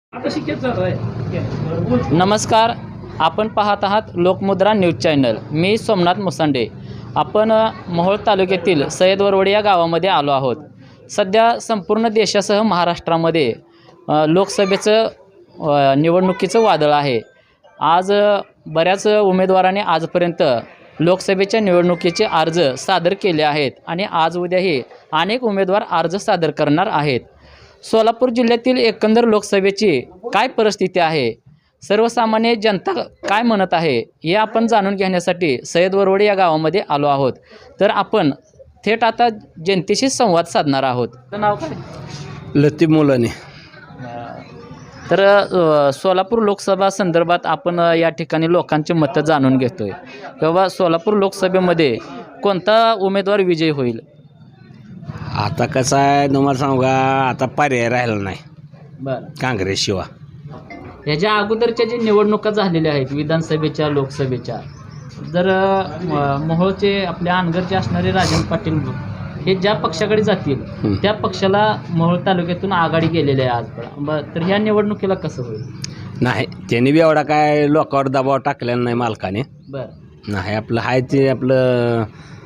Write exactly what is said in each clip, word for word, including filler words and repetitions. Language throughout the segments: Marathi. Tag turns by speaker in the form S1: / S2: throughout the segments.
S1: नमस्कार, आपण पाहत आहात लोकमुद्रा न्यूज चॅनल. मी सोमनाथ मुसांडे. आपण मोहोळ तालुक्यातील सय्यद वरवडी या गावामध्ये आलो आहोत. सध्या संपूर्ण देशासह महाराष्ट्रामध्ये लोकसभेचं निवडणुकीचं वादळ आहे. आज बऱ्याच उमेदवारांनी आजपर्यंत लोकसभेच्या निवडणुकीचे अर्ज सादर केले आहेत आणि आज उद्याही अनेक उमेदवार अर्ज सादर करणार आहेत. सोलापूर जिल्ह्यातील एकंदर लोकसभेची काय परिस्थिती आहे, सर्वसामान्य जनता काय म्हणत आहे, हे आपण जाणून घेण्यासाठी सय्यद वरवडी या गावामध्ये आलो आहोत. तर आपण थेट आता जनतेशी संवाद साधणार आहोत. नाव काय?
S2: लतीफ मुलानी.
S1: तर सोलापूर लोकसभा संदर्भात आपण या ठिकाणी लोकांची मतं जाणून घेतोय. तेव्हा सोलापूर लोकसभेमध्ये कोणता उमेदवार विजयी होईल?
S2: आता कसं आहे तुम्हाला सांगू का, आता पर्याय राहिला नाही
S1: बरं.
S2: काँग्रेसशिवाय.
S1: ह्याच्या अगोदरच्या जे निवडणुका झालेल्या आहेत विधानसभेच्या, लोकसभेच्या, जर मोहोळचे आपल्या अनगरचे असणारे राजन पाटील हे ज्या पक्षाकडे जातील त्या पक्षाला मोहोळ तालुक्यातून आघाडी गेलेली आहे आज. तर ह्या निवडणुकीला कसं होईल?
S2: नाही, त्यांनी बी एवढा काय लोकांवर दबाव टाकलेला नाही मालकाने.
S1: बरं.
S2: नाही, आपलं आहे ते आपलं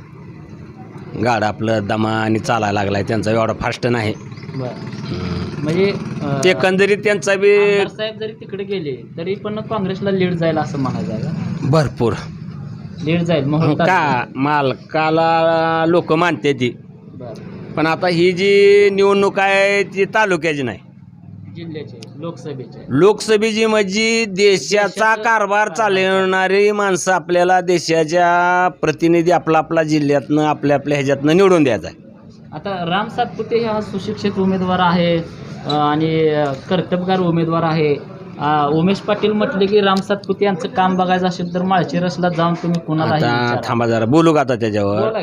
S2: गाड आपलं दमा आणि चालायला लागलाय. त्यांचा एवढा फास्ट नाही.
S1: बरं. म्हणजे
S2: एकंदरीत त्यांचा बी
S1: साहेब जरी तिकडे गेले तरी पण काँग्रेसला लीड जाईल असं म्हणायचं आहे का?
S2: भरपूर
S1: लीड जाईल मोहोळ
S2: का मालकाला लोक मानते ती.
S1: बरं.
S2: पण आता ही जी निवडणूक आहे ती तालुक्याची नाही,
S1: जिल्ह्याचे, लोकसभेचे.
S2: लोकसभेची म्हणजे देशाचा कारभार चालवणारी माणसं आपल्याला देशाच्या प्रतिनिधी आपला आपला जिल्ह्यातनं आपल्या आपल्या ह्याच्यातनं निवडून द्यायचा आहे.
S1: आता राम सातपुते हा सुशिक्षित उमेदवार आहे आणि कर्तबगार उमेदवार आहे. उमेश पाटील म्हटले की राम सातपुते यांचं काम बघायचं असेल तर माळशिरसला जाऊन तुम्ही कुणाला
S2: आता थांबा जरा बोलू का आता त्याच्यावर.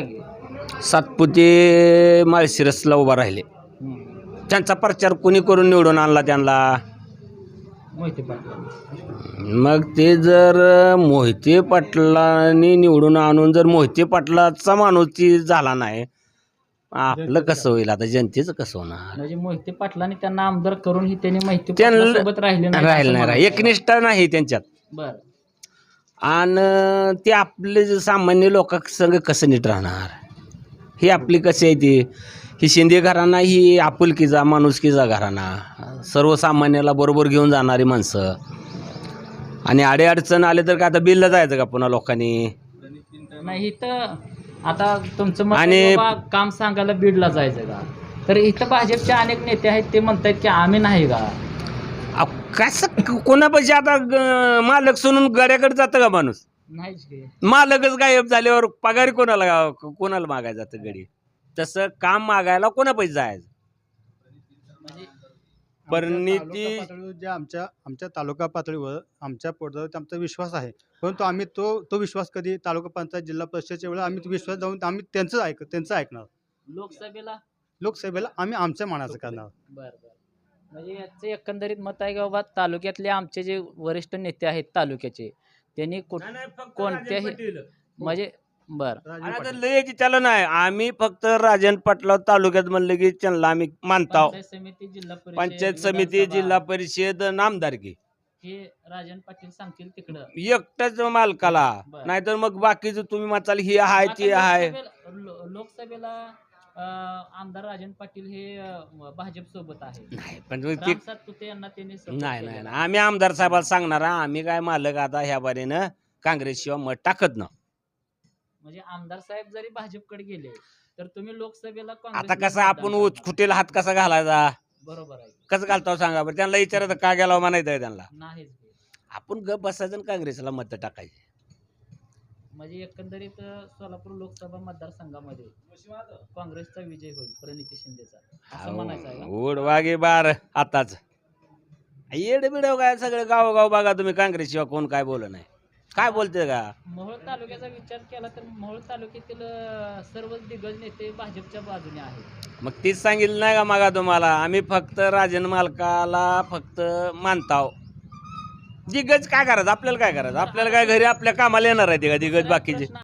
S2: सातपुते माळशिरसला उभा राहिले, त्यांचा प्रचार कोणी करून निवडून आणला त्यांना?
S1: मोहिते पाटील.
S2: मग ते जर मोहिते पाटलांनी निवडून आणून जर मोहिते पाटलाचा माणूस ती झाला नाही, आपलं कसं होईल? आता जनतेचं कसं होणार?
S1: म्हणजे मोहिते पाटलांनी त्यांना आमदार करूनही त्यांनी माहिती
S2: त्यांना
S1: सोबत राहिले नाही
S2: राहिलं नाही, एकनिष्ठा नाही त्यांच्यात.
S1: बरं.
S2: आणि ते आपले जे सामान्य लोकांसंग कसं नीट राहणार? ही आपली कशी आहे ती ही शिंदे घराणा, ही आपुलकीचा माणुसकीचा घराणा, सर्वसामान्याला बरोबर घेऊन जाणारी माणसं. आणि अडीअडचण आले तर का आता बिलला जायचं का पुन्हा लोकांनी?
S1: नाही, इथं आता तुमचं मत आणि काम सांगायला बीडला जायचं का? तर इथं भाजपचे अनेक नेते आहेत, ते म्हणतात की आम्ही नाही का.
S2: कसं कोणापाशी आता मालक सोडून गाड्याकडे जातं का माणूस?
S1: नाहीच.
S2: मालकच गायब झाल्यावर पगारी कोणाला कोणाला मागायला जातं गडी? तसं काम मागायला कोणा पैसे जायचं? परिणिती
S3: जे आमच्या आमच्या तालुका पातळीवर आमच्या पोटावर आमचा विश्वास आहे, परंतु आम्ही तो तो विश्वास कधी तालुका पंचायत जिल्हा परिषदेच्या वेळेला आम्ही तो विश्वास जाऊन आम्ही त्यांचं ऐक त्यांचं ऐकणार.
S1: लोकसभेला
S3: लोकसभेला आम्ही आमच्या मनाचं करणार.
S1: बरं बरं. म्हणजे याचं एकंदरीत मत आहे की बाबा तालुक्यातले आमचे जे वरिष्ठ नेते आहेत तालुक्याचे, त्यांनी कोणत्याही म्हणजे बरं
S2: लय त्याला नाही, आम्ही फक्त राजन पाटला तालुक्यात म्हणलं की त्यांना आम्ही मानतो.
S1: समिती, जिल्हा परिषद,
S2: पंचायत समिती, जिल्हा परिषद, नामदारकी
S1: हे राजन पाटील सांगतील तिकडं
S2: एकटाच मालकाला. नाहीतर मग बाकीचं तुम्ही म्हणाल ही आहे ती आहे.
S1: लोकसभेला आमदार राजन पाटील हे भाजप सोबत आहे.
S2: नाही पण
S1: यांना त्यांनी
S2: नाही नाही आम्ही आमदार साहेबाला सांगणार आम्ही काय मालक आता ह्या बारीनं काँग्रेस शिवाय मत टाकत ना.
S1: म्हणजे आमदार साहेब जरी भाजपकडे गेले तर तुम्ही लोकसभेला
S2: आता कसं आपण खुटीला हात कसा घालायचा?
S1: बरोबर आहे.
S2: कसं घालतो सांगा बरं? त्यांना विचारायचं का गेला म्हणायचं त्यांना?
S1: नाही,
S2: आपण गप बसायचं आणि काँग्रेसला मत टाकायचे.
S1: म्हणजे एकंदरीत सोलापूर लोकसभा मतदारसंघामध्ये काँग्रेसचा विजय होईल, प्रणिती शिंदेचा, असं म्हणायचं आहे.
S2: उड वागे बार आताच येड बिडव काय सगळं गावोगाव बघा तुम्ही, काँग्रेस शिवाय कोण काय बोल नाही. काय बोलते का?
S1: मोहोळ तालुक्याचा विचार केला तर मोहोळ तालुक्यातील सर्व दिग्गज नेते भाजपच्या बाजूने आहेत.
S2: मग तीच सांगितलं नाही का मागा तुम्हाला, आम्ही फक्त राजन मालकाला फक्त मानताव. दिग्गज काय करायचं? आपल्याला काय करायचं? आपल्याला काय घरी आपल्या कामाला येणार आहे ते का दिग्गज बाकीचे?